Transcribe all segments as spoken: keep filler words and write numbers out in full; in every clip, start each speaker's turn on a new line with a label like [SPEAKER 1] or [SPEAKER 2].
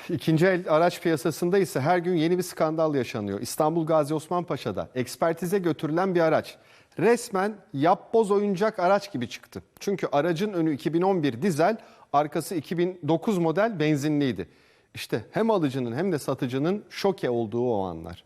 [SPEAKER 1] İkinci el araç piyasasında ise her gün yeni bir skandal yaşanıyor. İstanbul Gazi Osman Paşa'da ekspertize götürülen bir araç resmen yapboz oyuncak araç gibi çıktı. Çünkü aracın önü iki bin on bir dizel, arkası iki bin dokuz model benzinliydi. İşte hem alıcının hem de satıcının şoke olduğu o anlar.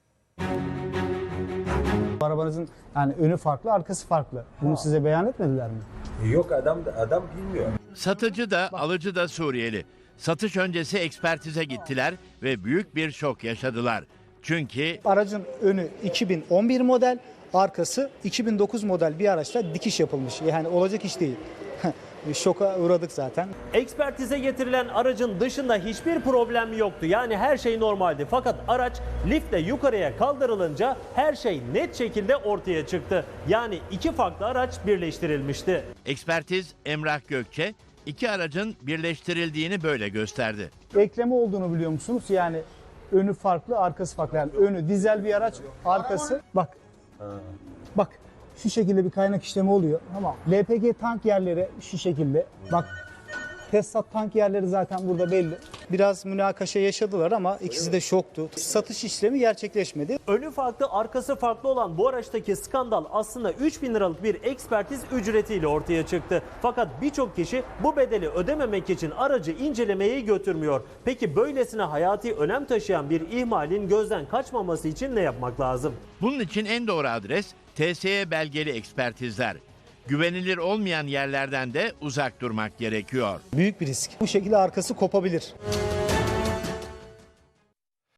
[SPEAKER 2] Arabanızın yani önü farklı, arkası farklı. Bunu size beyan etmediler mi?
[SPEAKER 3] Yok, adam adam bilmiyor.
[SPEAKER 4] Satıcı da alıcı da Suriyeli. Satış öncesi ekspertize gittiler ve büyük bir şok yaşadılar. Çünkü
[SPEAKER 2] Aracın önü iki bin on bir model, arkası iki bin dokuz model bir araçla dikiş yapılmış. Yani olacak iş değil. Şoka uğradık zaten.
[SPEAKER 5] Ekspertize getirilen aracın dışında hiçbir problem yoktu. Yani her şey normaldi. Fakat araç liftle yukarıya kaldırılınca her şey net şekilde ortaya çıktı. Yani iki farklı araç birleştirilmişti.
[SPEAKER 4] ekspertiz Emrah Gökçe iki aracın birleştirildiğini böyle gösterdi.
[SPEAKER 2] Ekleme olduğunu biliyor musunuz? Yani önü farklı, arkası farklı. Yani önü dizel bir araç, arkası bak. Bak. Şu şekilde bir kaynak işlemi oluyor. Tamam. L P G tank yerleri şu şekilde. Bak, Tesisat tank yerleri zaten burada belli. Biraz münakaşa yaşadılar ama ikisi de şoktu. Satış işlemi gerçekleşmedi.
[SPEAKER 5] Önü farklı, arkası farklı olan bu araçtaki skandal aslında üç bin liralık bir ekspertiz ücretiyle ortaya çıktı. Fakat birçok kişi bu bedeli ödememek için aracı incelemeyi götürmüyor. Peki böylesine hayati önem taşıyan bir ihmalin gözden kaçmaması için ne yapmak lazım?
[SPEAKER 4] Bunun için en doğru adres T S E belgeli ekspertizler. Güvenilir olmayan yerlerden de uzak durmak gerekiyor.
[SPEAKER 2] Büyük bir risk. Bu şekilde arkası kopabilir.